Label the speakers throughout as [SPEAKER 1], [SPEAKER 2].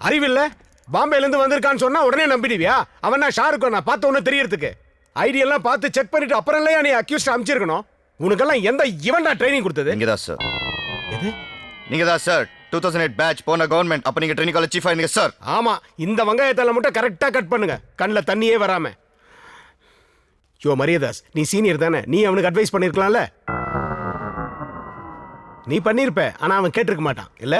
[SPEAKER 1] அறிவில்ல? பாம்பேல இருந்து வந்திருக்கான்னு சொன்னா உடனே நம்பிடுவியா? அவன் நான் ஷாருக்கோ நான் பார்த்த உடனே தெரியறதுக்கு ஐடியெல்லாம் பார்த்து செக் பண்ணிட்டு அப்புறம் இல்லையா நீ அக்யூஸ்ட் அமைச்சிருக்கணும். உனக்கெல்லாம் எந்த இவன்டா ட்ரைனிங் கொடுத்தது?
[SPEAKER 2] நீங்க தான் சார்.
[SPEAKER 1] எது?
[SPEAKER 2] நீங்க தான் சார் 2008 பேட்ச் போன கவர்மெண்ட். அப்ப நீங்க ட்ரைனிங் காலேஜ் சீஃபா இருந்தீங்க சார்.
[SPEAKER 1] ஆமா, இந்த வெங்காயத்தால மட்டும் கரெக்டா கட் பண்ணுங்க, கண்ணில் தண்ணியே வராம. யோ மரியதாஸ், நீ சீனியர் தானே, நீ அவனுக்கு அட்வைஸ் பண்ணிருக்கலாம்ல. நீ பண்ணிருப்ப, ஆனா அவன் கேட்டிருக்க மாட்டான் இல்ல.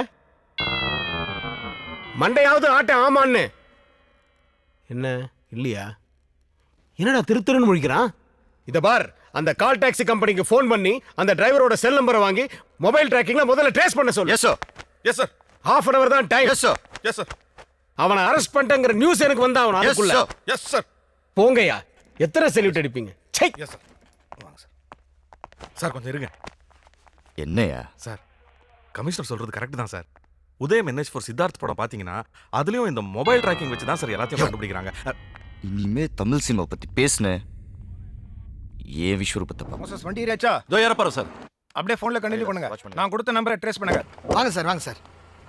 [SPEAKER 1] மண்டையாவது ஆட்ட ஆமான்னு. என்ன இல்லையா? என்னடா திருத்துருன்னு முழிக்கிறான்? இத பார், அந்த கால் டாக்ஸி கம்பெனிக்கு ஃபோன் பண்ணி அந்த டிரைவரோட செல் நம்பரை வாங்கி மொபைல் ட்ராக்கிங்ல முதல்ல ட்ரேஸ் பண்ண சொல்லு.
[SPEAKER 2] Yes sir. Yes sir.
[SPEAKER 1] half an hour தான் time.
[SPEAKER 2] Yes sir.
[SPEAKER 3] Yes sir.
[SPEAKER 1] அவனை அரெஸ்ட் பண்ணிட்டேங்கிற நியூஸ் எனக்கு வந்தா அவன் அதுக்குள்ள.
[SPEAKER 3] Yes sir.
[SPEAKER 1] போங்கயா, எத்தனை செல்யூட் அடிப்பீங்க? சை.
[SPEAKER 3] Yes sir. வாங்க சார். சார் கொஞ்சம் இருங்க.
[SPEAKER 2] என்னையா
[SPEAKER 3] சார், கமிஷனர் சொல்றது கரெக்ட் தான் சார். உதயம் NH4 சித்தார்த் படம் பாத்தீங்கன்னா அதுலயும் இந்த மொபைல் ட்ராக்கிங் வச்சு தான் சார் எல்லாத்தையும் கண்டுபிடிக்கிறாங்க.
[SPEAKER 2] இனிமே தமிழ் சினிமா பத்தி பேசுனேன் ஏன் விஸ்வரூபத்தை பார்ப்போம்.
[SPEAKER 4] மோசஸ் வண்டி ஏறியாச்சா?
[SPEAKER 3] இதோ ஏறப்பாரு சார்.
[SPEAKER 4] அப்படியே ஃபோன்ல கண்டினியூ பண்ணுங்க. நான் கொடுத்த நம்பரை ட்ரேஸ் பண்ணுங்க. வாங்க சார், வாங்க சார்.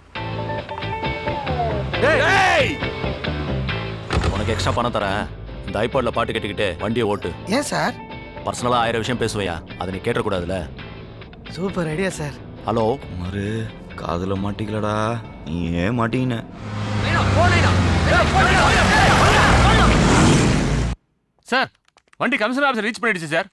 [SPEAKER 5] உனக்கு எக்ஸ்ட்ரா பணம் தரேன். இந்த ஐபாட்ல பாட்டு கேட்டுக்கிட்டு வண்டியை ஓட்டு.
[SPEAKER 4] ஏன் சார்?
[SPEAKER 5] பர்சனலா 1000 விஷயம் பேசுவையா, அதை நீ கேட்டக்கூடாதுல.
[SPEAKER 4] Super idea sir.
[SPEAKER 5] ஹலோ
[SPEAKER 2] மறு காதுல மாட்டிக்கலடா, நீ ஏன் மாட்டீங்க?
[SPEAKER 6] சார், வண்டி கமிஷனர் ஆஃபீஸர் ரீச் பண்ணிடுச்சு சார்.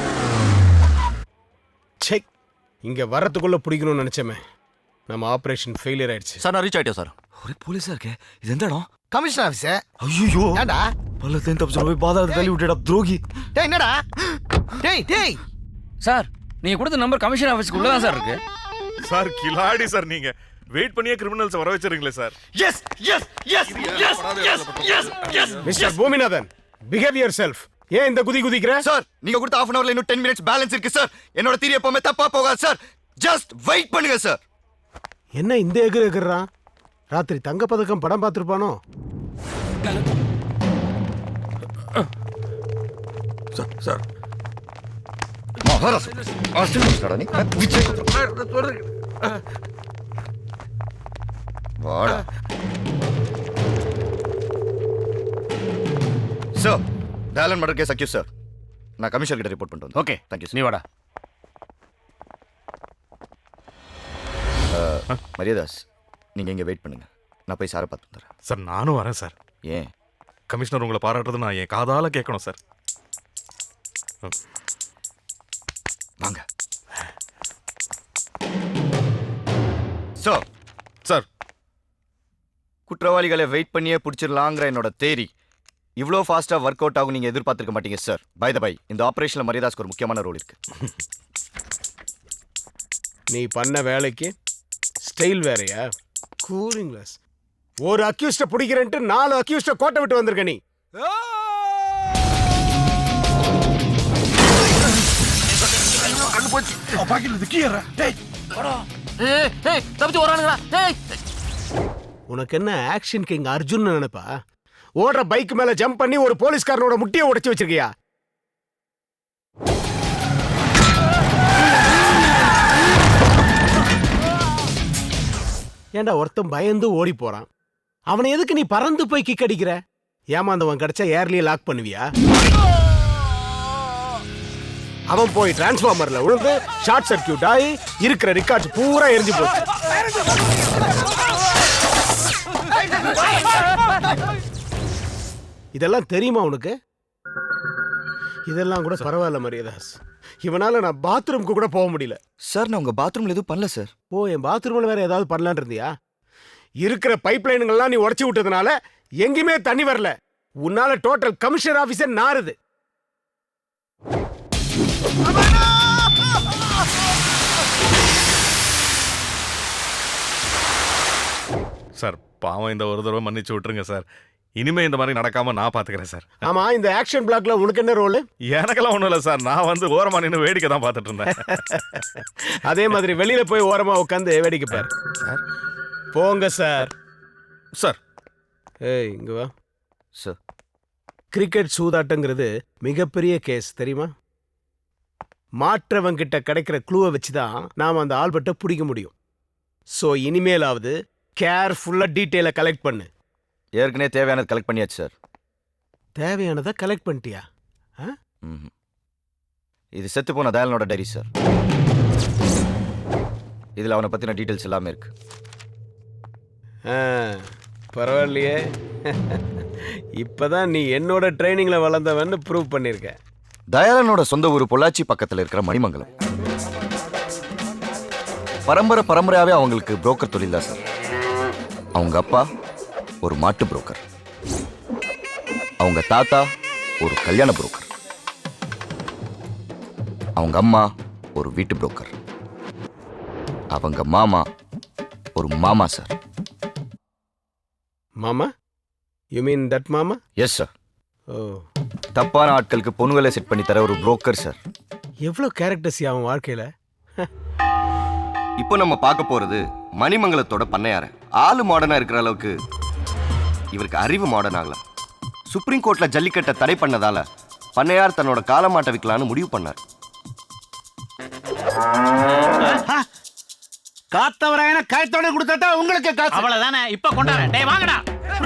[SPEAKER 1] செக், இங்க வரதுக்குள்ள பிடிக்கணும்னு நினைச்சமே, நம்ம ஆபரேஷன் ஃபெயிலியர் ஆயிடுச்சு.
[SPEAKER 5] சார், நான் ரீச் ஆயிட்டேன் சார்.
[SPEAKER 2] ஒரே போலீஸா இருக்கே, இது எந்த இடம்?
[SPEAKER 4] Commissioner office.
[SPEAKER 2] ஐயோ
[SPEAKER 4] ஏண்டா?
[SPEAKER 2] பல்லத்தையும் தப்பிச்சு போய் பாதாளத்தை தள்ளி விட்டுடா துரோகி.
[SPEAKER 4] டேய் என்னடா? டேய்
[SPEAKER 6] சார், நீங்க கொடுத்த நம்பர் கமிஷனர் ஆஃபீஸ்க்குள்ள தான் சார் இருக்கு.
[SPEAKER 3] சார் கிலாடி சார், நீங்க வெயிட் பண்ணியே கிரிமினல்ஸ் வர வச்சிருக்கீங்களே sir.
[SPEAKER 2] Yes yes yes yes yes yes yes
[SPEAKER 1] mister Boominathan, behave yourself. ஏன் இந்த குதிக்கிற?
[SPEAKER 2] சார், நீங்க கொடுத்த half an hourல இன்னும் 10 minutes பேலன்ஸ் இருக்கு சார். என்னோட தியரி எப்பவுமே தப்பா போகாது சார். ஜஸ்ட் வெயிட் பண்ணுங்க சார்.
[SPEAKER 1] என்ன இந்த எகுறான்? ராத்திரி தங்க பதக்கம் படம் பார்த்திருப்பானோ?
[SPEAKER 3] சார் சார்
[SPEAKER 2] மகாராஜ் ஆஸ்திரேலியா நீ விஜய் வாடா சார். டேலன் மர்டர் கேஸ் அக்யூஸ் சார். நான் கமிஷனர் கிட்ட ரிப்போர்ட் பண்ணிட்டு வந்தேன்.
[SPEAKER 6] ஓகே,
[SPEAKER 2] தேங்க்யூ
[SPEAKER 6] நீ வாடா.
[SPEAKER 2] மரியாதாஸ், நீங்க இங்க வெயிட் பண்ணுங்க, நான் போய் சாரை பார்த்து வந்துடுறேன்.
[SPEAKER 3] சார் நானும் வரேன் சார்.
[SPEAKER 2] ஏன்?
[SPEAKER 3] கமிஷனர் உங்களை பாராட்டுறது நான் என் காதால கேட்கணும் சார்.
[SPEAKER 2] வாங்க சார்.
[SPEAKER 3] சார்,
[SPEAKER 2] குற்றவாளிகளை வெயிட் பண்ணியே பிடிச்சிடலாங்கிற என்னோட தேரி இவ்வளோ ஃபாஸ்டா ஒர்க் அவுட் ஆகும் நீங்க எதிர்பார்த்திருக்க மாட்டீங்க சார். பை த பை, இந்த ஆபரேஷன்ல மரியாதாஸ்க்கு ஒரு முக்கியமான ரோல் இருக்கு.
[SPEAKER 1] நீ பண்ண வேலைக்கு ஸ்டைல் வேறையா? Cooling glass. ஒரு அக்யூஸ்ட பிடிக்கிறேன்ட்டு 4 அக்யூஸ்ட கோட்டை விட்டு வந்திருக்க நீ. உனக்கு என்ன ஆக்ஷன் கிங் அர்ஜுன் நினைப்பா? ஓடுற பைக் மேல ஜம்ப் பண்ணி ஒரு போலீஸ்காரனோட முட்டியை உடைச்சு வச்சிருக்கியா? ஏண்டா ஒருத்தன் பயந்து ஓடி போறான், அவனை எதுக்கு நீ பறந்து போய் கிக் அடிக்கிற? ஏமாந்தவன் கிடைச்சா ஏர்லயே லாக் பண்ணுவியா? அவன் போய் டிரான்ஸ்ஃபார்மர்ல விழுந்து ஷார்ட் சர்க்கியூட் ஆகி இருக்கிற ரெக்கார்ட்ஸ் பூரா எரிஞ்சு போச்சு. இதெல்லாம் தெரியுமா உனக்கு? இதெல்லாம் கூட பரவாயில்ல மரியாதாஸ், இவனால நான் பாத்ரூம்க்கு கூட போக முடியல.
[SPEAKER 2] சார், நான் உங்க பாத்ரூம்ல எதுவும் பண்ணல சார்.
[SPEAKER 1] ஓ, என் பாத்ரூம்ல வேற ஏதாவது பண்ணலான் இருந்தியா? இருக்கிற பைப் லைனுங்கள்லாம் நீ உடைச்சு விட்டதுனால எங்கேயுமே தண்ணி வரல. உன்னால டோட்டல் கமிஷனர் ஆபீஸே நாறுது.
[SPEAKER 3] சார் பாவம், இந்த ஒரு தடவை மன்னிச்சு விட்டுருங்க சார். இனிமே இந்த மாதிரி நடக்காம நான் பாத்துக்கிறேன் சார்.
[SPEAKER 1] ஆமா, இந்த ஆக்ஷன் பிளாக்ல உனக்கு என்ன ரோல்?
[SPEAKER 3] எனக்கெல்லாம் ஒண்ணும் இல்லை சார். நான் வந்து ஓரமா நின்று வேடிக்கை தான் பார்த்துட்டு இருந்தேன்.
[SPEAKER 1] அதே மாதிரி வெளியில போய் ஓரமா உட்காந்து வேடிக்கை பாரு. போங்க சார்.
[SPEAKER 3] சார்,
[SPEAKER 1] ஏய் இங்க வா
[SPEAKER 2] சார்.
[SPEAKER 1] கிரிக்கெட் சூதாட்டங்கிறது மிகப்பெரிய கேஸ் தெரியுமா? மாற்றவங்கிட்ட கிடைக்கிற க்ளூவை வச்சுதான் நாம அந்த ஆல்பர்ட்டை பிடிக்க முடியும். ஸோ இனிமேலாவது கேர்ஃபுல்லா டீட்டெயிலை கலெக்ட் பண்ணு.
[SPEAKER 2] ஏற்கனவே தேவையானது கலெக்ட் பண்ணியாச்சு சார்.
[SPEAKER 1] தேவையானதை கலெக்ட் பண்ணிட்டியா?
[SPEAKER 2] இது செத்து போன தயாலனோட டைரி சார். இதில் அவனை பற்றின டீட்டெயில்ஸ் எல்லாமே இருக்கு.
[SPEAKER 1] பரவாயில்லையே. இப்பதான் நீ என்னோட ட்ரைனிங்ல வளர்ந்தவன்னு ப்ரூவ் பண்ணிருக்க.
[SPEAKER 2] தயாலனோட சொந்த ஊர் பொள்ளாச்சி பக்கத்தில் இருக்கிற மணிமங்கலம். பரம்பரையாவே அவங்களுக்கு புரோக்கர் தொழில் தான் சார். அவங்க அப்பா ஒரு மாட்டு புரோக்கர், அவங்க தாத்தா ஒரு கல்யாண புரோக்கர், அவங்க அம்மா ஒரு வீட்டு புரோக்கர், அவங்க மாமா ஒரு மாமா சார்.
[SPEAKER 1] மாமா? யூ மீன் தட் மாமா?
[SPEAKER 2] Yes sir.
[SPEAKER 1] ஓ,
[SPEAKER 2] தப்பான ஆட்களுக்கு பொண்ணுகளை செட் பண்ணி தர ஒரு புரோக்கர் சார்.
[SPEAKER 1] எவ்வளோ கேரக்டர்ஸ் அவன் வாழ்க்கையில.
[SPEAKER 2] இப்போ நம்ம பார்க்க போறது மணிமங்கலத்தோட பண்ணையார. ஆளு மாடர்னா இருக்கிற அளவுக்கு இவருக்கு அறிவு மாடர்ன் ஆகலாம். சுப்ரீம் கோர்ட்ல ஜல்லிக்கட்டை தடை பண்ணதால பண்ணையார் தன்னோட காலமாட்டை விற்கலான்னு முடிவு பண்ணார்.
[SPEAKER 1] காத்தவராயன காயத்தோட கொடுத்தா உங்களுக்கு காசு.
[SPEAKER 7] அவ்வளவுதானே. இப்ப கொண்டாரு. டேய் வாங்கடா.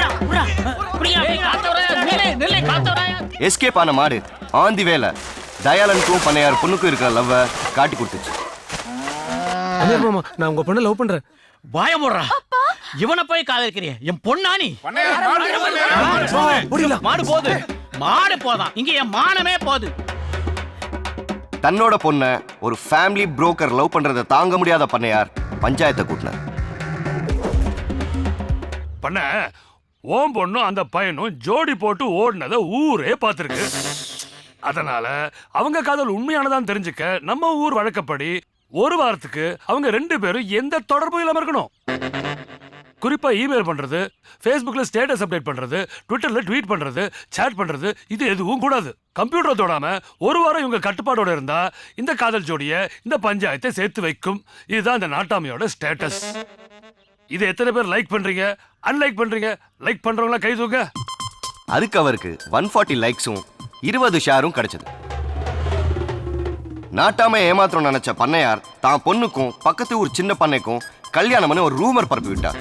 [SPEAKER 2] எஸ்கேப் ஆன மாடு ஆந்தி வேலை தயாலனுக்கும் பண்ணையார் பொண்ணுக்கும் இருக்கிற லவ்வை காட்டி கொடுத்துச்சு.
[SPEAKER 1] மாமா, நான் உங்க பொண்ணை லவ் பண்றேன்.
[SPEAKER 7] வாய மூடுறா. இவனை போய் காதலிக்கிறிய? என் பொண்ணானி. மாடு போகுது. மாடு போதான். இங்க என் மானமே போகுது.
[SPEAKER 2] தன்னோட பொண்ணை ஒரு ஃபேமிலி புரோக்கர் லவ் பண்றதை தாங்க முடியாத பண்ணையார் பஞ்சாயத்தை கூட்டினார்.
[SPEAKER 8] பண்ண ஓம் பொண்ணும் அந்த பையனும் ஜோடி போட்டு ஓடினதை ஊரே பார்த்துருக்கு. அதனால அவங்க காதல் உண்மையானதான் தெரிஞ்சுக்க நம்ம ஊர் வழக்கப்படி ஒரு வாரத்துக்கு அவங்க 2 பேரும் எந்த தொடர்பும் இல்லாம இருக்கணும். குறிப்பா இமெயில் பண்றது, ஃபேஸ்புக்ல ஸ்டேட்டஸ் அப்டேட் பண்றது, ட்விட்டர்ல ட்வீட் பண்றது, சேட் பண்றது, இது எதுவும் கூடாது. கம்ப்யூட்டர் தொடாம ஒரு வாரம் இவங்க கட்டுப்பாடோட இருந்தா இந்த காதல் ஜோடிய இந்த பஞ்சாயத்தை சேர்த்து வைக்கும். இதுதான் இந்த நாட்டாமையோட ஸ்டேட்டஸ். இது எத்தனை பேர் லைக் பண்றீங்க, அன்லைக் பண்றீங்க? லைக் பண்றவங்களா கை தூக்க.
[SPEAKER 2] அதுக்கு அவருக்கு 140 லைக்ஸும் 20 ஷேரும் கிடைச்சது. நாட்டாம ஏமாத்திரம் நினைச்ச பண்ணையார் தான் பொண்ணுக்கும் பக்கத்து ஊர் சின்ன பண்ணைக்கும் கல்யாணம்னு ஒரு ரூமர் பரப்பி விட்டார்.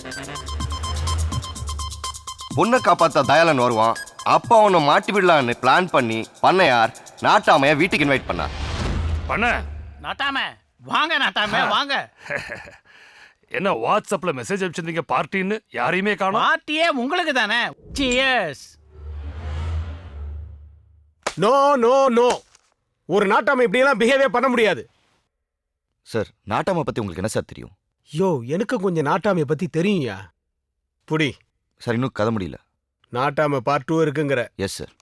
[SPEAKER 2] பொண்ணை காப்பாத்த தயாலன் வருவான், அப்பா அவனை மாட்டி விடலான்னு பிளான் பண்ணி பண்ணையார் நாட்டாமைய வீட்டுக்கு இன்வைட் பண்ணார்.
[SPEAKER 8] பண்ண
[SPEAKER 7] நாட்டாம வாங்க. நாட்டாம வாங்க.
[SPEAKER 8] என்ன வாட்ஸ்அப்ல மெசேஜ் அனுப்பிச்சிருந்தீங்க பார்ட்டின்னு? யாரையுமே காணோம்.
[SPEAKER 7] பார்ட்டியே உங்களுக்கு தானே. சியர்ஸ்.
[SPEAKER 1] நோ நோ நோ, ஒரு நாட்டாம இப்படி எல்லாம் பிஹேவியர் பண்ண முடியாது.
[SPEAKER 2] சார், நாட்டாமை பத்தி உங்களுக்கு என்ன சார் தெரியும்?
[SPEAKER 1] யோ, எனக்கு கொஞ்சம் நாட்டாமைய பத்தி தெரியும்யா. புடி.
[SPEAKER 2] சார், இன்னும் கதை முடியல.
[SPEAKER 1] நாட்டாம பார்ட் 2 இருக்குங்கிற?
[SPEAKER 2] Yes sir.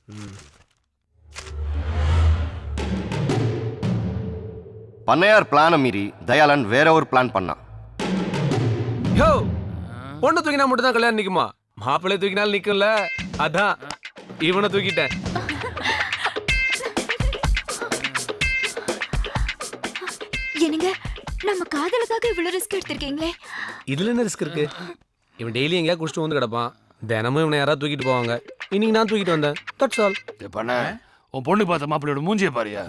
[SPEAKER 2] பண்ணையார் பிளானை மீறி தயாலன் வேற ஒரு பிளான் பண்ணான்.
[SPEAKER 9] யோ, பொண்ணு தூக்கினா மட்டும் தான் கல்யாணம் நிக்குமா? மாப்பிள்ளை தூக்கினாலும் நிக்கும்ல. அதான் இவனை தூக்கிட்டேன்.
[SPEAKER 10] என்னங்க, நம்ம காதலுக்காக இவ்வளவு ரிஸ்க் எடுத்திருக்கீங்களே.
[SPEAKER 9] இதுல என்ன ரிஸ்க் இருக்கு? இவன் டெய்லி எங்கேயா குடிச்சிட்டு வந்து கிடப்பான். தினமும் இவனை யாராவது தூக்கிட்டு போவாங்க. இன்னைக்கு நான் தூக்கிட்டு வந்தேன். That's all.
[SPEAKER 8] பண்ண உன் பொண்ணு பார்த்த மாப்பிள்ளையோட மூஞ்சிய பாரியா.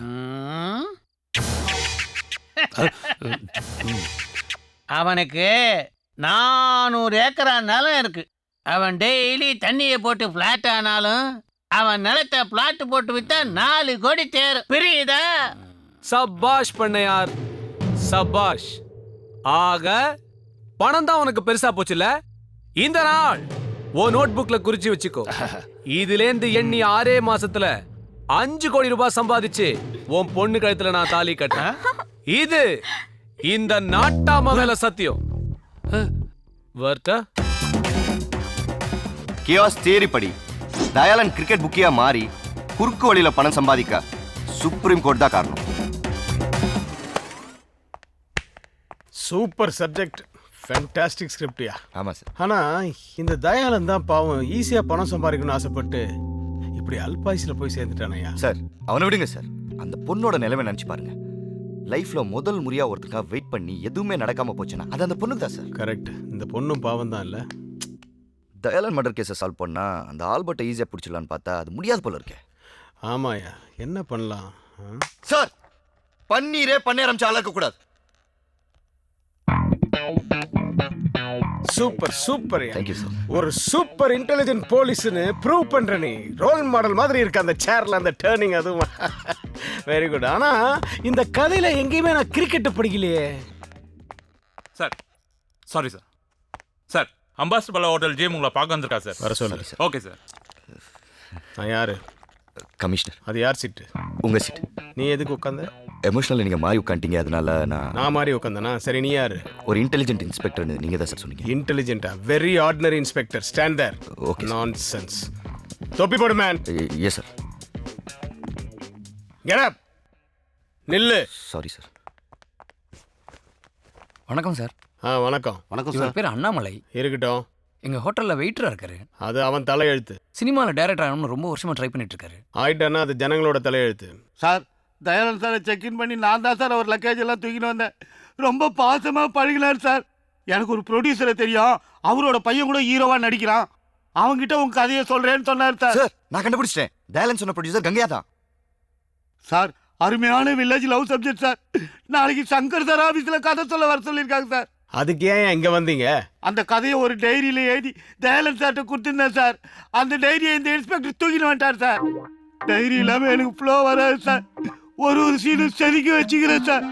[SPEAKER 7] அவனுக்கு 400 ஏக்கரா நிலம் இருக்கு. அவன் டெய்லி தண்ணியை போட்டு பிளாட் ஆனாலும் அவன் நிலத்தை பிளாட் போட்டு வித்தா 4 கோடி தேரும். புரியுதா?
[SPEAKER 9] சபாஷ் பண்ணையார், சபாஷ். ஆக பணம் தான் உனக்கு பெருசா போச்சுல. இந்த நாள் ஓ நோட் புக்ல குறிச்சு வச்சுக்கோ. இதுலேந்து எண்ணி 6 மாசத்துல 5 கோடி ரூபாய் சம்பாதிச்சு உன் பொண்ணு கழுத்துல நான் தாலி கட்டேன். இது இந்த நாட்டாம மேல சத்தியம். வர்த்தா
[SPEAKER 2] கியாஸ் தியரி படி தயாலன் கிரிக்கெட் புக்கியா மாறி குறுக்கு வழியில பணம் சம்பாதிக்க சுப்ரீம் கோர்ட் தான் காரணம்.
[SPEAKER 1] சூப்பர் சப்ஜெக்ட், ஃபேண்டாஸ்டிக் ஸ்கிரிப்ட்யா.
[SPEAKER 2] ஆமா சார்.
[SPEAKER 1] ஆனா இந்த தயாலன் தான் பாவம் ஈஸியா பணம் சம்பாதிக்கணும்னு ஆசைப்பட்டு இப்படி அல்பாயுஸ்ல போய் சேர்ந்துட்டானயா.
[SPEAKER 2] சார், அவனை விடுங்க சார். அந்த பொண்ணோட நிலைமை நினைச்சு பாருங்க. லைஃப்ல முதல் முறையா ஒருத்தருக்காக வெயிட் பண்ணி எதுவுமே நடக்காம போச்சுன்னா அது அந்த பொண்ணுக்கு தான் சார்.
[SPEAKER 1] கரெக்ட். இந்த பொண்ணும் பாவம் தான் இல்ல.
[SPEAKER 2] தயாலன் மர்டர் கேஸை சால்வ் பண்ணா அந்த ஆல்பர்ட்டை ஈஸியா பிடிச்சிடலான்னு பார்த்தா அது முடியாது போல இருக்கே.
[SPEAKER 1] ஆமாயா, என்ன பண்ணலாம்?
[SPEAKER 2] சார், பன்னீரே பண்ண ஆரம்பிச்ச ஆளாக்க கூடாது.
[SPEAKER 1] Super super
[SPEAKER 2] thank you sir.
[SPEAKER 1] ஒரு சூப்பர் இன்டெலிஜென்ட் போலீஸ்னு ப்ரூவ் பண்ற நீ. ரோல் மாடல் மாதிரி இருக்கு அந்த சேர்ல அந்த டேர்னிங், அதுவும் வெரி குட். ஆனா இந்த கதையில எங்கேயுமே நான் கிரிக்கெட் படிக்கலையே.
[SPEAKER 11] Sir sorry sir. Sir ambassador Pallava hotel GM உங்களை பார்க்க வந்திருக்கா சார்.
[SPEAKER 1] வர சொல்லு.
[SPEAKER 11] Okay sir.
[SPEAKER 1] நான் யாரு?
[SPEAKER 2] கமிஷனர்.
[SPEAKER 1] அது யார் சீட்டு?
[SPEAKER 2] உங்க சீட்.
[SPEAKER 1] நீ எதுக்கு உட்காந்த?
[SPEAKER 2] எமோஷனல் நீங்க மாறி உட்காந்துட்டீங்க, அதனால
[SPEAKER 1] நான் மாதிரி உட்காந்தனா? சரி, நீ யாரு?
[SPEAKER 2] ஒரு இன்டெலிஜென்ட் இன்ஸ்பெக்டர்னு நீங்க தான் சார் சொன்னீங்க.
[SPEAKER 1] இன்டெலிஜென்ட்டா? Very ordinary inspector. Stand there.
[SPEAKER 2] Okay.
[SPEAKER 1] Nonsense. தொப்பி போடு man.
[SPEAKER 2] Yes sir.
[SPEAKER 1] Get up. நில்லு.
[SPEAKER 2] Sorry sir.
[SPEAKER 6] வணக்கம் சார்.
[SPEAKER 1] வணக்கம்.
[SPEAKER 2] வணக்கம்
[SPEAKER 6] இவர் பேர் அண்ணாமலை.
[SPEAKER 1] இருக்கட்டும்.
[SPEAKER 6] எங்க ஹோட்டல்ல வெயிட்டரா இருக்காரு.
[SPEAKER 1] அது அவன் தலையெழுத்து.
[SPEAKER 6] சினிமால டைரக்டர் ஆகணும்னு ரொம்ப வருஷமா ட்ரை பண்ணிட்டு இருக்காரு.
[SPEAKER 1] ஆயிட்டானா அது ஜனங்களோட தலையெழுத்து.
[SPEAKER 7] சார், தயானந்த் சாரை செக்இன் பண்ணி நான் தான் சார் அவர் லக்கேஜ் எல்லாம் தூக்கிட்டு வந்தேன். ரொம்ப பாசமாக பழகினார் சார். எனக்கு ஒரு ப்ரொடியூசரை தெரியும், அவரோட பையன் கூட ஹீரோவாக நடிக்கிறான். அவங்ககிட்ட உங்க கதையை சொல்றேன்னு சொன்னார் சார்.
[SPEAKER 2] சார் நான் கண்டுபிடிச்சிட்டேன். தயாலன் சொன்ன ப்ரொடியூசர் கங்கையா தான்.
[SPEAKER 7] சார், அருமையான வில்லேஜ் லவ் சப்ஜெக்ட் சார். நாளைக்கு சங்கர் சார் ஆஃபீஸில் கதை சொல்ல வர சொல்லியிருக்காங்க சார்.
[SPEAKER 1] அதுக்கு ஏன் இங்க வந்தீங்க?
[SPEAKER 7] அந்த கதையை ஒரு டைரியில் எழுதி தயாலன் சார்கிட்ட கொடுத்துருந்தேன் சார். அந்த டைரியை இந்த இன்ஸ்பெக்டர் தூக்கிட்டு வந்துட்டார் சார். டைரி இல்லாமல் எனக்கு ஃப்ளோ வராது சார். ஒரு சீனும் செதுக்கி வச்சுக்கிறேன் சார்.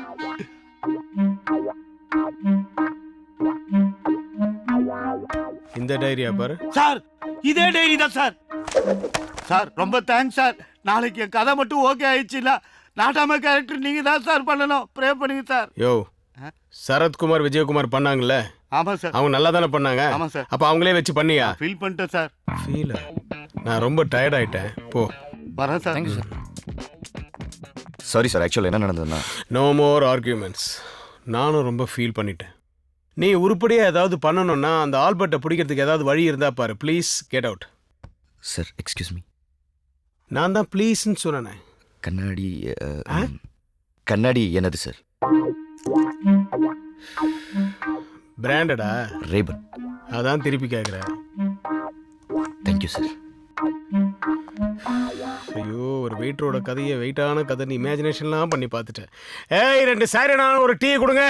[SPEAKER 1] இந்த டைரியா பாரு
[SPEAKER 7] சார். இதே டைரி தான் சார். சார் ரொம்ப தேங்க்ஸ் சார். நாளைக்கு என் கதை மட்டும் ஓகே ஆயிடுச்சுன்னா நாட்டாம கேரக்டர் நீங்க தான் சார் பண்ணணும். ப்ரே பண்ணுங்க சார்.
[SPEAKER 1] யோ, சரத்குமார் விஜயகுமார் பண்ணாங்கல்ல,
[SPEAKER 7] ஆமா சார்.
[SPEAKER 1] அவங்க நல்லா தானே பண்ணாங்க?
[SPEAKER 7] ஆமா சார்.
[SPEAKER 1] அப்ப அவங்களே வச்சு பண்ணியா?
[SPEAKER 7] ஃபீல் பண்ணிட்டேன் சார்.
[SPEAKER 1] ஃபீல்? நான் ரொம்ப டயர்ட் ஆயிட்டேன். போ.
[SPEAKER 7] வரேன் sir.
[SPEAKER 6] Thank you sir.
[SPEAKER 2] Sorry sir, ஆக்சுவலாக என்ன நடந்ததுன்னா
[SPEAKER 1] நோ மோர் ஆர்கியூமெண்ட்ஸ். நானும் ரொம்ப ஃபீல் பண்ணிட்டேன். நீ உருப்படியாக ஏதாவது பண்ணணும்னா அந்த ஆல்பர்ட்டை பிடிக்கிறதுக்கு ஏதாவது வழி இருந்தா பாரு. Please get out.
[SPEAKER 2] Sir excuse me.
[SPEAKER 1] நான் தான் ப்ளீஸ்ன்னு சொன்னேன்.
[SPEAKER 2] கண்ணாடி கண்ணாடி என்னது சார்?
[SPEAKER 1] பிராண்டடா?
[SPEAKER 2] ரேபன்.
[SPEAKER 1] அதான் திருப்பி கேட்குறேன்.
[SPEAKER 2] Thank you sir.
[SPEAKER 1] ஐயோ, ஒரு வெயிட்டரோட கதையை வெயிட்டான கதை நீ இமேஜினேஷன்லாம் பண்ணி பார்த்துட்டேன். ஏய், 2 சாரினா ஒரு டீ கொடுங்க.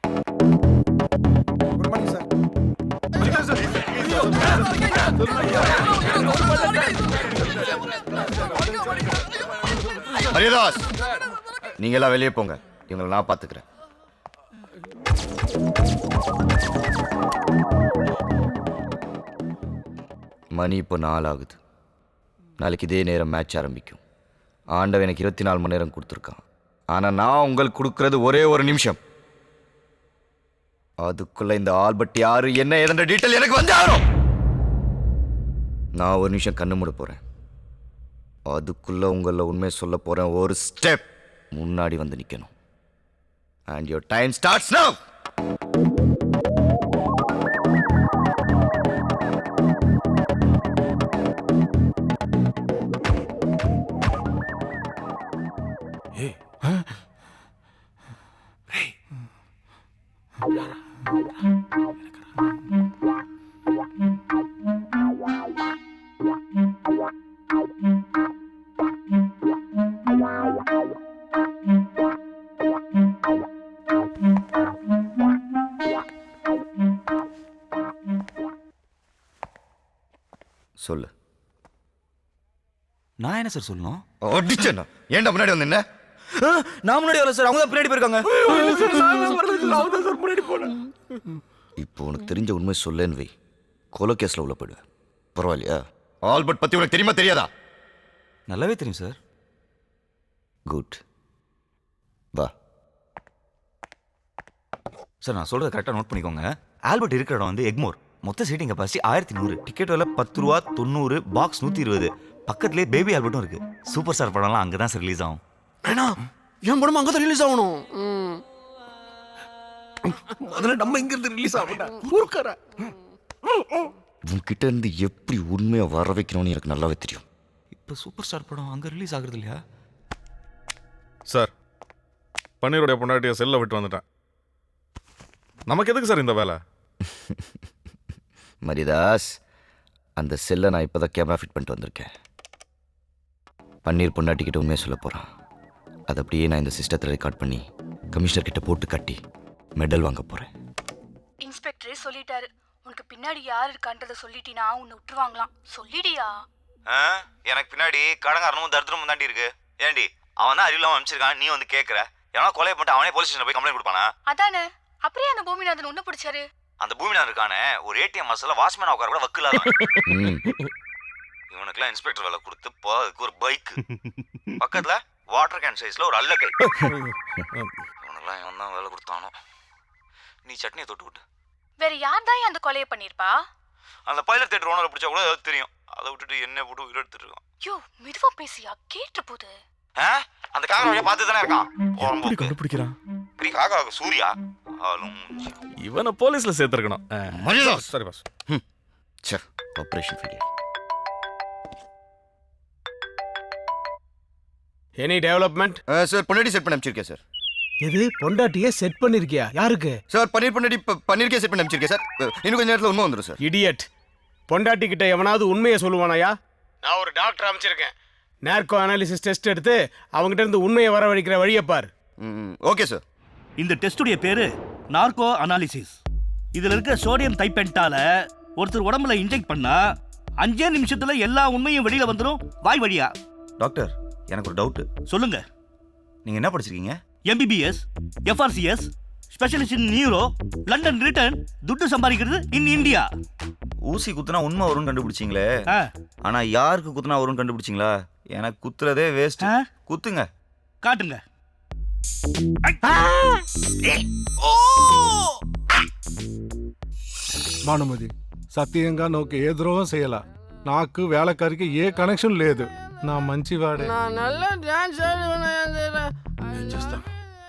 [SPEAKER 4] Good morning sir.
[SPEAKER 2] ஹரிதாஸ், நீங்க எல்லாம் வெளியே போங்க. இவங்களை நான் பார்த்துக்கிறேன். மணி இப்போ 4 ஆகுது. நாளைக்கு இதே நேரம் மேட்ச் ஆரம்பிக்கும். ஆண்டவன் எனக்கு 24 மணி நேரம் கொடுத்துருக்கான். ஆனால் நான் உங்களுக்கு கொடுக்கறது ஒரே ஒரு நிமிஷம். அதுக்குள்ள இந்த ஆல்பர்ட் யாரு என்ன ஏதென்ற டீட்டெயில் எனக்கு வந்து ஆகும். நான் ஒரு நிமிஷம் கண்ணு மூட போறேன். அதுக்குள்ள உங்கள உண்மை சொல்ல போறேன். ஒரு ஸ்டெப் முன்னாடி வந்து நிக்கணும். அண்ட் யுவர் டைம் ஸ்டார்ட்ஸ் நவ. சொல்லு.
[SPEAKER 5] நான் என்ன சார் சொல்லணும்?
[SPEAKER 2] அடிச்சேன்னா ஏன்டா முன்னாடி வந்து என்ன?
[SPEAKER 5] நான் முன்னாடி வரல சார், அவங்க தான் பின்னாடி போயிருக்காங்க.
[SPEAKER 2] இப்போ உனக்கு தெரிஞ்ச உண்மை சொல்லேன்னு வை. கொலை கேஸ்ல உள்ள போயிடுவேன். பரவாயில்லையா? ஆல்பர்ட் பத்தி உனக்கு தெரியுமா தெரியாதா?
[SPEAKER 5] நல்லாவே தெரியும் சார்.
[SPEAKER 2] குட். வா.
[SPEAKER 5] சார் நான் சொல்றதை கரெக்டாக நோட் பண்ணிக்கோங்க. ஆல்பர்ட் இருக்கிற இடம் வந்து எக்மோர். மொத்த சீட்டிங் கெப்பாசிட்டி 1100. டிக்கெட் விலை 10 ரூபா 90. பாக்ஸ் 120. பக்கத்துலேயே பேபி ஆல்பர்ட்டும் இருக்கு. சூப்பர் ஸ்டார் படம்லாம் அங்கே தான் சார் ரிலீஸ் ஆகும்.
[SPEAKER 1] ஏன்னா என் படம் அங்கே தான் ரிலீஸ் ஆகணும். முதல்ல நம்ம இங்கிருந்து ரிலீஸ் ஆகணும்.
[SPEAKER 2] உன்கிட்ட இருந்து எப்படி உண்மையை வர வைக்கணும்னு எனக்கு நல்லாவே தெரியும்.
[SPEAKER 5] இப்போ சூப்பர் ஸ்டார் படம் அங்கே ரிலீஸ் ஆகுறது இல்லையா
[SPEAKER 3] சார்? பன்னீருடைய பொண்டாட்டியை செல்ல விட்டு வந்துட்டேன். நமக்கு எதுக்கு சார் இந்த வேலை?
[SPEAKER 2] மரிதாஸ், அந்த செல்லை நான் இப்போ தான் கேமரா ஃபிட் பண்ணிட்டு வந்திருக்கேன். பன்னீர் பொண்டாட்டிக்கிட்ட உண்மையை சொல்ல போகிறான். அதை அப்படியே நான் இந்த சிஸ்டத்தில் ரெக்கார்ட் பண்ணி கமிஷனர் கிட்ட போட்டு கட்டி மெடல் வாங்க போகிறேன்.
[SPEAKER 10] இன்ஸ்பெக்டர் சொல்லிட்டாரு. உனக்கு பின்னாடி யார் இருக்கான்றத சொல்லிட்டினா உன்னை விட்டுருவாங்களாம். சொல்லிடியா?
[SPEAKER 5] எனக்கு பின்னாடி கடங்காரனும் தரித்திரமும் தாண்டி இருக்கு. ஏண்டி அவன் தான் அறிவில்லாம அனுப்பிச்சிருக்கான், நீ வந்து கேட்குற. எவனா கொலை பண்ணிட்டு அவனே போலீஸ் ஸ்டேஷன் போய் கம்ப்ளைண்ட் கொடுப்பானா?
[SPEAKER 10] அதானே. அப்படியே அந்த பூமிநாதன் உன்னை பிடிச்சாரு.
[SPEAKER 5] அந்த பூமிநாதன் இருக்கானே ஒரு ஏடிஎம் மசால வாட்ச்மேன் உட்கார கூட வக்கில்லாத. இவனுக்குலாம் இன்ஸ்பெக்டர் வேலை கொடுத்து போறதுக்கு ஒரு பைக், பக்கத்துல வாட்டர் கேன் சைஸ்ல ஒரு அல்லக்கை. இவனுக்குலாம் இவன் தான் வேலை கொடுத்தானோ. நீ சட்னியை தொட்டு விட்டு.
[SPEAKER 10] வேற யார் தான் அந்த கொலையை பண்ணிருப்பா?
[SPEAKER 5] அந்த பைலட் தேட்டர் ஓனரை பிடிச்சா கூட ஏதாவது தெரியும். அதை விட்டுட்டு என்ன போட்டு உயிர் எடுத்துட்டு இருக்கான்.
[SPEAKER 10] யோ மெதுவா பேசியா, கேட்டு போகுது.
[SPEAKER 5] அந்த காக்கா வழியா பார்த்து தானே இருக்கான்.
[SPEAKER 3] கண்டுபிடிக்கிறான்
[SPEAKER 5] இப்படி காக்கா சூர்யா ஆளும்
[SPEAKER 3] இவனை போலீஸ்ல சேர்த்திருக்கணும்.
[SPEAKER 2] சரி boss. Sir operation failure.
[SPEAKER 1] Any development?
[SPEAKER 2] Sir பொண்டாட்டி செட் பண்ணி அனுப்பிச்சிருக்கேன் சார்.
[SPEAKER 1] எது பொண்டாட்டியே செட் பண்ணிருக்கியா? யாருக்கு?
[SPEAKER 2] சார் பொண்டாட்டி பன்னீருக்கே செட் பண்ணி அனுப்பிச்சிருக்கேன் சார். இன்னும் கொஞ்ச நேரத்தில் உண்மை வந்துடும் சார்.
[SPEAKER 1] இடியட். பொண்டாட்டி கிட்ட எவனாவது உண்மையை சொல்லுவானாயா? நான் ஒரு டாக்டர் அமைச்சிருக்கேன். நேர்கோ அனாலிசிஸ் டெஸ்ட் எடுத்து அவங்ககிட்ட இருந்து உண்மையை வரவழைக்கிற வழியை பார்.
[SPEAKER 2] Okay sir.
[SPEAKER 12] இந்த டெஸ்டுடைய பேரு நார்கோ அனாலிசிஸ். இதுல இருக்க சோடியம் தைப்பென்டால ஒருத்தர் உடம்புல இன்ஜெக்ட் பண்ணா 5 நிமிஷத்துல எல்லா உண்மையும் வெளியில வந்துடும் வாய் வழியா.
[SPEAKER 5] டாக்டர் எனக்கு ஒரு டவுட்.
[SPEAKER 12] சொல்லுங்க.
[SPEAKER 5] நீங்க என்ன படிச்சிருக்கீங்க?
[SPEAKER 12] MBBS, FRCS, specialist in neuro, London return, துட்டு சம்பாதிக்கிறது இன் இந்தியா.
[SPEAKER 5] ஊசி குத்துனா உண்மை வரும்னு கண்டுபிடிச்சிங்களே, ஆனா யாருக்கு குத்துனா வரும்னு கண்டுபிடிச்சிங்களா? எனக்கு குத்துறதே வேஸ்ட். குத்துங்க.
[SPEAKER 12] காட்டுங்க.
[SPEAKER 13] భానుమతి సత్యంగా నాకు ఏ ద్రోహం చేయాల. నాకు వేళకారికి ఏ కనెక్షన్ లేదు. నా మంచివాడే.
[SPEAKER 4] నేను చేస్తాను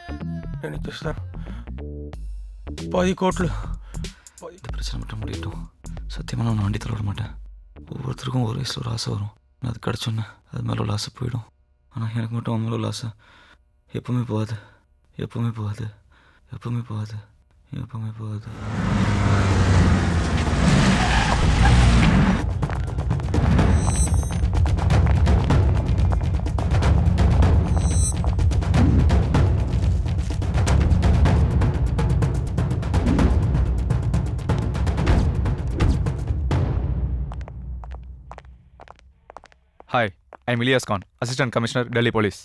[SPEAKER 4] 10 కోట్లు.
[SPEAKER 5] இந்த பிரச்சனை மட்டும் முடியட்டும். சத்தியமாக நான் வண்டி தள்ள விட மாட்டேன். ஒவ்வொருத்தருக்கும் ஒரு வயசில் ஒரு ஆசை வரும். நான் அது கிடச்சோன்னே அது மேலே உள்ள ஆசை போயிடும். ஆனால் எனக்கு மட்டும் அவன் மேலே உள்ள ஆசை எப்பவுமே போகாது. எப்பவுமே போகாது. எப்பவுமே போகாது. எப்பவுமே போகாது.
[SPEAKER 14] Hi, I'm Ilyas Khan, Assistant Commissioner, Delhi Police.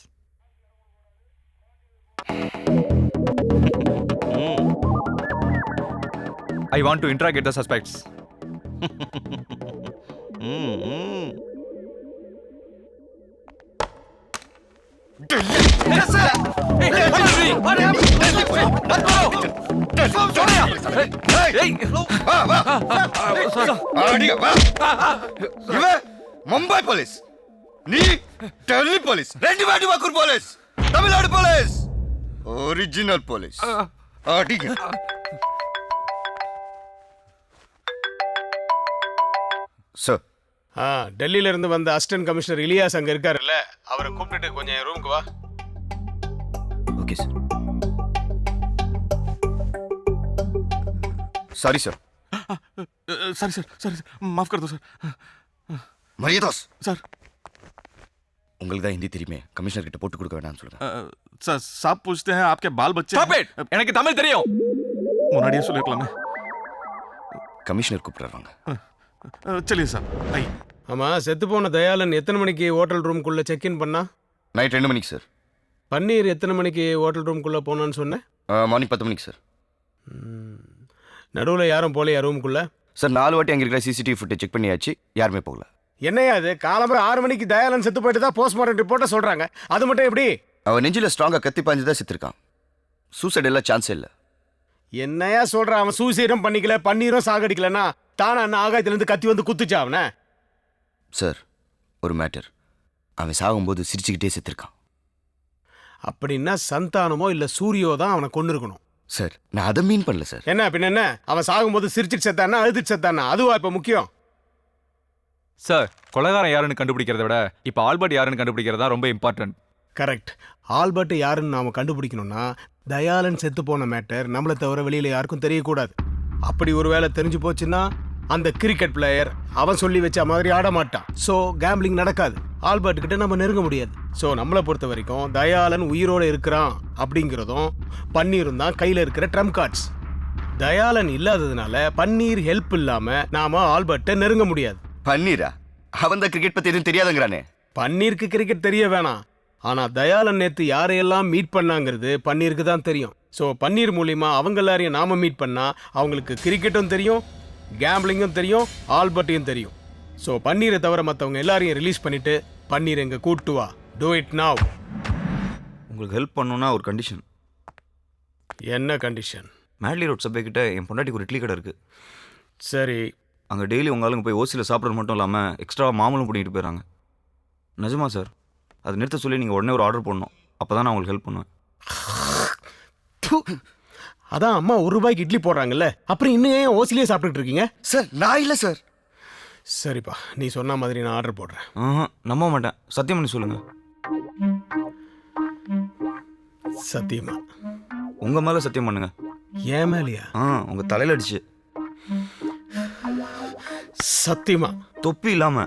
[SPEAKER 14] I want to interrogate the suspects.
[SPEAKER 2] Mumbai police, நீ டெல்லி போலீஸ், ரெண்டு வாட்டி வக்கூர் police, Tamil Nadu police, original police. அடிங்க. சார்,
[SPEAKER 1] டெல்லியில இருந்து வந்த அசிஸ்டன்ட் கமிஷனர் இலியாஸ் அங்க இருக்காருல்ல, அவரை கூப்பிட்டுட்டு கொஞ்சம் என் ரூமுக்கு வா.
[SPEAKER 2] Okay sir. Sorry sir.
[SPEAKER 3] Sorry sir, sorry माफ कर दो सर.
[SPEAKER 2] மரியதாஸ்
[SPEAKER 3] சார்,
[SPEAKER 2] உங்களுக்கு தான் ஹிந்தி தெரியுமே, கமிஷனர் கிட்ட போட்டு கொடுக்க வேணாம்னு சொல்லுங்க.
[SPEAKER 3] सर साहब पूछते हैं आपके बाल बच्चे.
[SPEAKER 14] Stop it! எனக்கு தமிழ் தெரியும்.
[SPEAKER 3] முன்னாடியே சொல்லிருக்கலாமே.
[SPEAKER 2] கமிஷனர் கூப்பிடுறாங்க.
[SPEAKER 3] चलिए சார். ஐ.
[SPEAKER 1] ஆமா, செத்து போன தயாளன் எத்தனை மணிக்கு ஹோட்டல் ரூம்குள்ள செக் இன் பண்ணா?
[SPEAKER 2] நைட் 2 மணிக்கு சார்.
[SPEAKER 1] பன்னீர் எத்தனை மணிக்கு ஹோட்டல் ரூம்குள்ள போனான்னு சொன்னேன்?
[SPEAKER 2] மார்னிங் 10 மணிக்கு சார்.
[SPEAKER 1] நடுவில் யாரும் போலையா ரூமுக்குள்ள?
[SPEAKER 2] சார் 4 வாட்டி அங்கே இருக்கிற சிசிடிவி ஃபுட்டேஜ் செக் பண்ணியாச்சு, யாருமே போகல.
[SPEAKER 1] என்னையா அது, காலம்பர 6 மணிக்கு தயாளன் செத்து போயிட்டு தான் போஸ்ட்மார்ட்டம் ரிப்போர்ட்டை சொல்றாங்க. அது மட்டும் எப்படி?
[SPEAKER 2] அவன் நெஞ்சில் ஸ்ட்ராங்காக கத்தி பாஞ்சு தான் செத்துருக்கான். சூசைட் எல்லாம் சான்ஸே இல்லை.
[SPEAKER 1] என்னையா சொல்றான்? அவன் சூசைடும் பண்ணிக்கல, பன்னீரும் சாகடிக்கலன்னா தானே அண்ணன் ஆகாயத்திலேருந்து கத்தி வந்து குத்துச்சா அவனை?
[SPEAKER 2] சார், ஒரு மேட்டர், அவன் சாகும்போது சிரிச்சுக்கிட்டே செத்துருக்கான்.
[SPEAKER 1] அப்படின்னா சந்தானமோ இல்லை சூரியோ தான் அவனை கொண்டு இருக்கணும்.
[SPEAKER 2] சார், நான் அதை மீன் பண்ணல சார்.
[SPEAKER 1] என்ன பின்ன என்ன, அவன் சாகும்போது சிரிச்சிட்டு செத்தானா அழுதுட்டு செத்தானா, அதுவா இப்போ முக்கியம்?
[SPEAKER 14] சார், கொலைகாரன் யாருன்னு கண்டுபிடிக்கிறத விட இப்போ ஆல்பர்ட் யாருன்னு கண்டுபிடிக்கிறதா ரொம்ப இம்பார்ட்டன்ட்.
[SPEAKER 1] கரெக்ட். ஆல்பர்ட் யாருன்னு நாம கண்டுபிடிக்கணும்னா தயாளன் செத்து போன மேட்டர் நம்மளை தவிர வெளியில யாருக்கும் தெரியக்கூடாது. அப்படி ஒரு வேளை தெரிஞ்சு போச்சுன்னா அந்த கிரிக்கெட் பிளேயர் அவன் சொல்லி வச்ச மாதிரி ஆட மாட்டான். ஸோ கேம்பிளிங் நடக்காது. ஆல்பர்ட் கிட்ட நம்ம நெருங்க முடியாது. ஸோ நம்மளை பொறுத்த வரைக்கும் தயாளன் உயிரோடு இருக்கிறான் அப்படிங்கிறதும் பன்னீரும் தான் கையில் இருக்கிற ட்ரம்ப் கார்ட்ஸ். தயாளன் இல்லாததுனால பன்னீர் ஹெல்ப் இல்லாம நாம ஆல்பர்ட்டை நெருங்க முடியாது.
[SPEAKER 2] பன்னீரா? அவன் தான் கிரிக்கெட் பத்தி எதுவும் தெரியாதுங்கிறானே.
[SPEAKER 1] பன்னீருக்கு கிரிக்கெட் தெரிய வேணாம், ஆனா தயாளன் நேத்து யாரையெல்லாம் மீட் பண்ணாங்கிறது பன்னீருக்கு தான் தெரியும். ஸோ பன்னீர் மூலியமா அவங்க எல்லாரையும் நாம மீட் பண்ணா அவங்களுக்கு கிரிக்கெட்டும் தெரியும், கேம்பிளிங்கும் தெரியும், ஆல்பர்ட்டையும் தெரியும். ஸோ பன்னீரை தவிர மற்றவங்க எல்லாரையும் ரிலீஸ் பண்ணிட்டு பன்னீர் எங்க கூட்டு வா. Do it now.
[SPEAKER 5] உங்களுக்கு ஹெல்ப் பண்ணணும்னா ஒரு கண்டிஷன்.
[SPEAKER 1] என்ன கண்டிஷன்?
[SPEAKER 5] மேட்லி ரோட் சப்வே கிட்ட என் பொண்டாட்டிக்கு ஒரு இட்லி கடை இருக்குது.
[SPEAKER 1] சரி.
[SPEAKER 5] அங்கே டெய்லி உங்கள் ஆளுங்க போய் ஓசியில் சாப்பிட்றது மட்டும் இல்லாமல் எக்ஸ்ட்ரா மாமூலும் பண்ணிட்டு போயிடறாங்க. நிஜமா சார்? அது நிறுத்த சொல்லி நீங்கள் உடனே ஒரு ஆர்டர் பண்ணணும். அப்போ தான் நான் உங்களுக்கு ஹெல்ப் பண்ணுவேன்.
[SPEAKER 1] அதான் அம்மா ₹1 இட்லி போடுறாங்கல்ல, அப்புறம் இன்னும் ஏன் ஓசிலே சாப்பிட்டுட்டு இருக்கீங்க?
[SPEAKER 2] சார் நான் இல்லை சார்.
[SPEAKER 1] சரிப்பா, நீ சொன்ன மாதிரி நான் ஆர்டர் போடுறேன்.
[SPEAKER 5] நம்ப மாட்டேன், சத்தியம் பண்ணி சொல்லுங்கள்.
[SPEAKER 1] சத்தியமா?
[SPEAKER 5] உங்கள் மேலே சத்தியம் பண்ணுங்க.
[SPEAKER 1] ஏன் மேலையா?
[SPEAKER 5] உங்கள் தலையில் அடிச்சு.
[SPEAKER 1] சத்தியமா?
[SPEAKER 5] தொப்பி இல்லாமல்.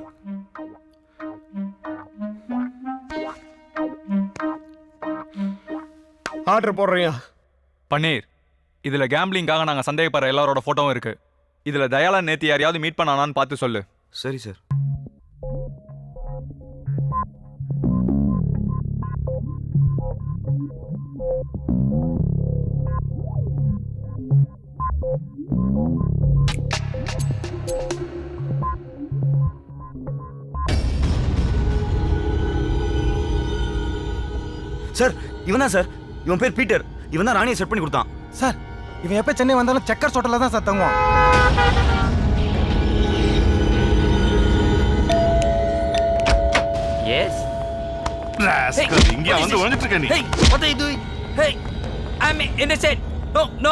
[SPEAKER 1] ஆர்டர் போடுறியா?
[SPEAKER 14] பன்னீர், இதில் கேம்பிளிங்காக நாங்கள் சந்தேகப்படுற எல்லாரோட ஃபோட்டோவும் இருக்கு. இதில் தயாளன் நேற்று யாரையாவது மீட் பண்ணானான்னு பார்த்து சொல்லு.
[SPEAKER 5] சரி சார். சார் இவன் தான் சார். இவன் பேர் பீட்டர். இவன் தான் ராணியை செட் பண்ணி கொடுத்தான்.
[SPEAKER 4] சார் இவன் எப்போ சென்னை வந்தாலும் செக்கர்ஸ் ஹோட்டலில் தான் சார் தங்குவான்.
[SPEAKER 11] எஸ்
[SPEAKER 3] இங்கே வந்து ஒளிஞ்சிட்டு இருக்க நீ.
[SPEAKER 11] Hey, what are you doing? Hey, I'm innocent. No, no.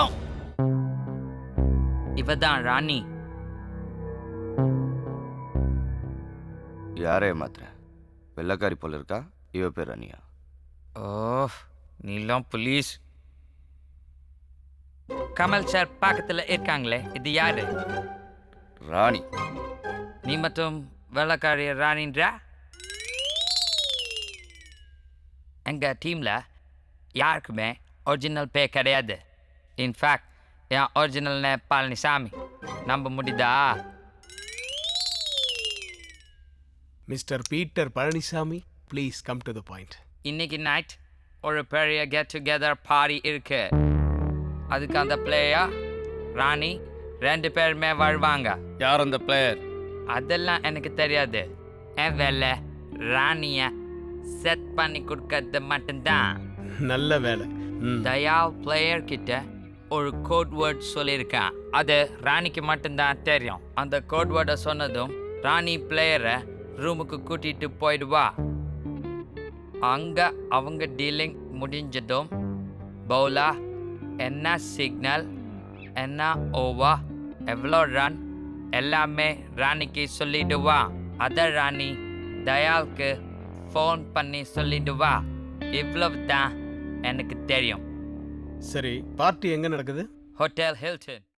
[SPEAKER 11] இவதான் ராணி.
[SPEAKER 2] யாரே மாத்திர வெள்ளக்காரி போல இருக்கா. இவ பேர் ராணியா?
[SPEAKER 11] ஓ, நீலாம் போலீஸ். கமல் சார் பக்கத்தில் இருக்காங்களே, இது யாரு?
[SPEAKER 2] ராணி.
[SPEAKER 11] நீ மட்டும் வெள்ளக்காரி ராணின்றா? எங்கள் டீமில் யாருக்குமே ஒரிஜினல் பேர் கிடையாது. இன்ஃபேக்ட் என் ஒரிஜினல் நேம் பழனிசாமி. நம்ப முடியுதா?
[SPEAKER 1] Mister Peter Palanisamy, please come to the point.
[SPEAKER 11] இன்னைக்கு நைட் ஒரு பெரிய கெட் டுகெதர் பார்ட்டி இருக்கு. அதுக்கு அந்த பிளேயர் ராணி 2 பேருமே வருவாங்க.
[SPEAKER 6] யார் அந்த பிளேயர்?
[SPEAKER 11] அதெல்லாம் எனக்கு தெரியாது. என் வேலை ராணியை செட் பண்ணி கொடுக்கறது மட்டும்தான்.
[SPEAKER 1] நல்ல வேலை.
[SPEAKER 11] தயால் பிளேயர் கிட்ட ஒரு கோட் வேர்ட் சொல்லியிருக்கான். அது ராணிக்கு மட்டும்தான் தெரியும். அந்த கோட் வேர்டை சொன்னதும் ராணி பிளேயரை ரூமுக்கு கூட்டிட்டு போயிடுவா. அங்க அவங்க டீலிங் முடிஞ்சதும் பவுலா என்ன சிக்னல், என்ன ஓவர், எவ்வளோ ரன் எல்லாமே ராணிக்கு சொல்லிடுவா. அத ராணி தயாலுக்கு ஃபோன் பண்ணி சொல்லிடுவா. இவ்வளவு தான் எனக்கு தெரியும்.
[SPEAKER 1] சரி, பார்ட்டி எங்க நடக்குது?
[SPEAKER 11] Hotel Hilton.